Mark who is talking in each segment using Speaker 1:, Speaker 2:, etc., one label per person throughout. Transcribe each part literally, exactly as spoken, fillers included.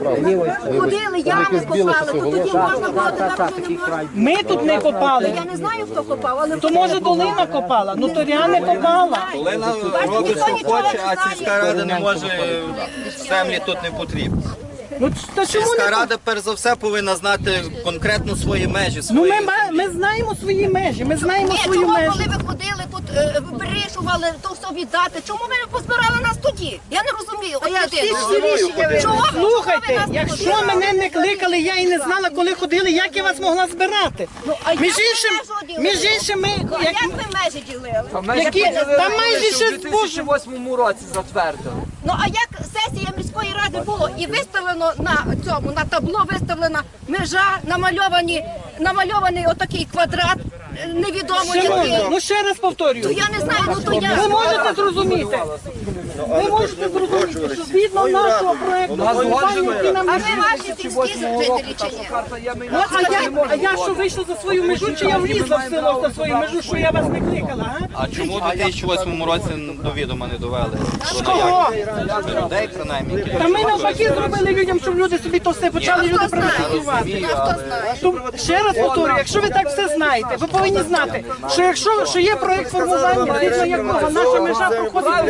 Speaker 1: ходили, ями копали, то тоді можна було тепер.
Speaker 2: Ми тут не копали.
Speaker 1: Я не знаю, хто копав, але
Speaker 2: То може долина копала, ну то я не копала.
Speaker 3: Долина робить, що хоче, а сільська рада не може, землі тут не потрібні.
Speaker 2: Ну то чому
Speaker 3: Сільська
Speaker 2: не
Speaker 3: рада, перш за все, повинна знати конкретно свої межі.
Speaker 2: Ну
Speaker 3: Свої...
Speaker 2: ми, ма- ми знаємо свої межі, ми знаємо
Speaker 1: ні,
Speaker 2: свої
Speaker 1: чому,
Speaker 2: межі.
Speaker 1: коли ви ходили тут, е, вирішували, то все віддати, чому ви не позбирали нас тоді? Я не розумію. От людина. Чого ви-
Speaker 2: Слухайте,
Speaker 1: чого ви нас не
Speaker 2: якщо
Speaker 1: позбирали?
Speaker 2: мене не кликали, я і не знала, коли ходили, як я вас могла збирати.
Speaker 1: А як
Speaker 2: Між
Speaker 1: ви
Speaker 2: іншим,
Speaker 1: межу ділили?
Speaker 2: між іншим, ми,
Speaker 1: Ну, а
Speaker 2: як,
Speaker 1: як ви межі ділили?
Speaker 2: які, там майже ще
Speaker 4: У дві тисячі восьмому році затвердили.
Speaker 1: Ну а як сесія міської ради було і виставлено на цьому, на табло виставлена межа, намальовані, намальований отакий квадрат, е, невідомо
Speaker 2: Шановні,
Speaker 1: який.
Speaker 2: ну ще раз
Speaker 1: То
Speaker 2: повторюю.
Speaker 1: я не знаю, ну то я.
Speaker 2: Ви можете зрозуміти, ви можете зрозуміти, що згідно нашого проєкту, який нам
Speaker 1: А ви
Speaker 2: висвітлює,
Speaker 1: ваші сільські жителі чи ні?
Speaker 2: Ну, а я, а я що вийшла за свою межу, чи я влізла в село за свою межу, що я вас не кликала, а?
Speaker 3: А чому у дві тисячі восьмому році до відома не довели? Про
Speaker 2: Кого?
Speaker 3: наявність людей, принаймні, які
Speaker 2: Та ми навпаки зробили людям, щоб люди собі то все почали люди приватизувати.
Speaker 1: А хто знає?
Speaker 2: То ще раз повторюю, якщо ви так все знаєте, ви повинні знати, що якщо що є проєкт формування, згідно якого наша межа проходить,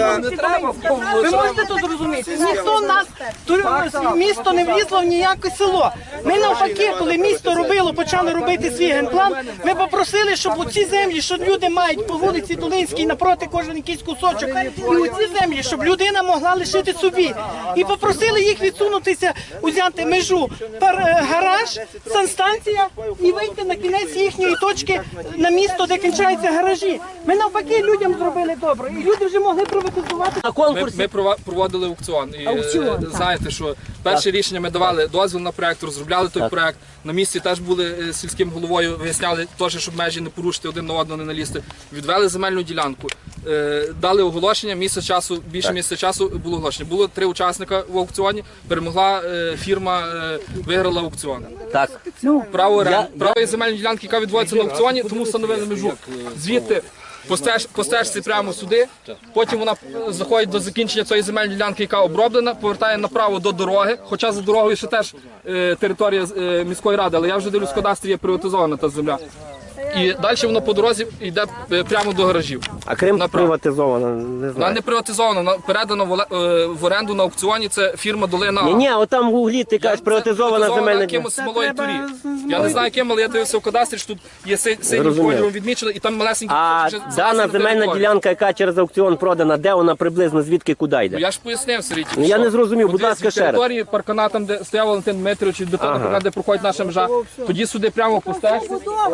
Speaker 2: ви можете тут зрозуміти. Ніхто в нас ту- місто не влізло в ніяке село. Ми навпаки, коли місто робило, почали робити свій генплан, ми попросили, щоб у ці землі, що люди мають по вулиці Долинській напроти кожен якийсь кусочок, і у ці землі, щоб людина могла лишити собі. І попросили їх відсунутися, узяти межу пар- е, гараж, санстанція і вийти на кінець їхньої точки на місто, де кінчаються гаражі. Ми навпаки людям зробили добре, і люди вже могли приватизувати. На
Speaker 5: Ми,
Speaker 2: конкурсі.
Speaker 5: ми прова- проводили аукціон. І
Speaker 2: Аукціон,
Speaker 5: е,
Speaker 2: так.
Speaker 5: знаєте, що перше рішення ми давали дозвіл на проект, розробляли той проект. На місці теж були е, сільським головою, виясняли теж, щоб межі не порушити, один на одного не налізти. Відвели земельну ділянку, е, дали оголошення, місяць часу, більше місяця часу було оголошення. Було три учасника в аукціоні, перемогла е, фірма, е, виграла аукціон.
Speaker 6: Так.
Speaker 5: Право оренди, право земельної ділянки, яка відводиться на аукціоні, тому встановили межу. Звідти по стеж- по стежці прямо сюди, потім вона е, заходить до закінчення цієї земельної ділянки, яка оброблена, повертає направо до дороги, хоча за дорогою ще теж е, територія е, міської ради, але я вже дивлюсь, в кадастрі є приватизована та земля. І далі воно по дорозі йде е, прямо до гаражів.
Speaker 6: А Крим
Speaker 5: Направо.
Speaker 6: приватизовано, не
Speaker 5: Вона
Speaker 6: знаю.
Speaker 5: не приватизована, вона передана в, оле- е, в оренду на аукціоні, це фірма Долина.
Speaker 6: Ні, ні, от там в углі ти кажеш,
Speaker 5: Це
Speaker 6: приватизована земельна ділянка.
Speaker 5: якимось смолою
Speaker 2: треба
Speaker 5: турі.
Speaker 2: з- з
Speaker 5: Я не знаю ким, але я дивився в кадастрі, що тут є си- синім
Speaker 6: Зрозуміло.
Speaker 5: кольором відмічено, і там малесенькі
Speaker 6: А
Speaker 5: вже
Speaker 6: дана
Speaker 5: залазять на
Speaker 6: земельна
Speaker 5: територію.
Speaker 6: ділянка, яка через аукціон продана, де вона приблизно, звідки, куди
Speaker 5: Ну,
Speaker 6: йде?
Speaker 5: я ж пояснив, Сергій.
Speaker 6: Ну, я не зрозумів, будь ласка, ще раз.
Speaker 5: території паркана, там, де стояв Валентин Дмитрович, до того паркана, де проходить наша межа, тоді сюди прямо по стежці.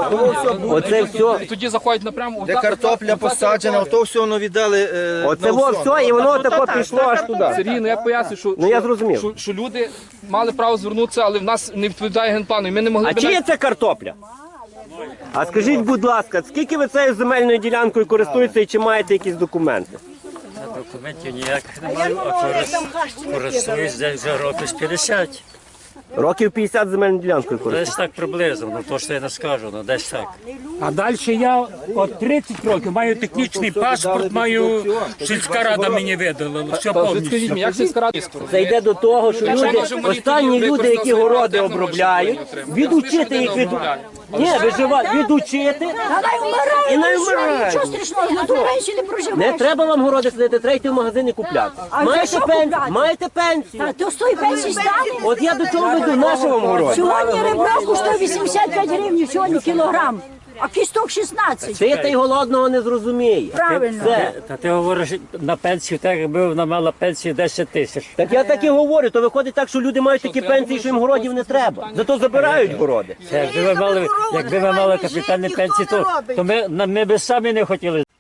Speaker 6: Оце все.
Speaker 5: І тоді заходить напряму.
Speaker 3: Де картопля посаджена, то все воно віддали е,
Speaker 6: Оце
Speaker 3: на
Speaker 6: во
Speaker 3: аукціон.
Speaker 6: все, і воно тако пішло аж туди.
Speaker 5: Сергій, ну я поясню, що,
Speaker 6: Ну, я
Speaker 5: що-
Speaker 6: зрозумів.
Speaker 5: що, що люди мали право звернутися, але в нас не відповідає генплану. І ми не могли
Speaker 6: А
Speaker 5: б
Speaker 6: чиє
Speaker 5: навіть-
Speaker 6: це картопля? А скажіть, будь ласка, скільки ви цією земельною ділянкою користуєтеся і чи маєте якісь документи?
Speaker 7: Документів ніяких не маю, а корис- користуюсь десь вже років з п'ятдесят.
Speaker 6: Років п'ятдесят земельною ділянкою користуєтеся.
Speaker 7: Десь так приблизно, ну то, що я не скажу, ну десь так.
Speaker 8: А далі я от тридцять років маю технічний паспорт, маю сільська рада мені видала, все
Speaker 5: Та, Скажіть
Speaker 8: повністю.
Speaker 5: мені, як сільська рада?
Speaker 6: Це йде до того, що
Speaker 5: Якщо
Speaker 6: люди,
Speaker 5: може, мої
Speaker 6: останні
Speaker 5: тоді
Speaker 6: люди, які
Speaker 5: використали
Speaker 6: городи
Speaker 5: свої
Speaker 6: обробляють,
Speaker 5: гроші,
Speaker 6: відучити їх від... Ні, виживати, відучити і не вмирають.
Speaker 1: Що страшного, на ту пенсію не
Speaker 6: Не
Speaker 1: проживаєш.
Speaker 6: треба вам городи сидіти, треба йти в магазин і купляти. Маєте пенсію? Маєте пенсію?
Speaker 1: То з тої пенсії стане?
Speaker 6: От я до чого веду, на вам городі?
Speaker 1: Сьогодні ребро коштує вісімдесят п'ять гривень, сьогодні кілограм, а кісток шістнадцять.
Speaker 6: Ти та й голодного не зрозуміє.
Speaker 1: Правильно.
Speaker 6: Все.
Speaker 7: Та ти говориш на пенсію, так якби вона мала пенсію десять тисяч.
Speaker 6: Так я так і говорю, то виходить так, що люди мають такі пенсії, що їм городів не треба. Зато забирають городи.
Speaker 7: Якби ви мали, якби ви мали капітальні пенсії, то, то ми, ми б самі не хотіли.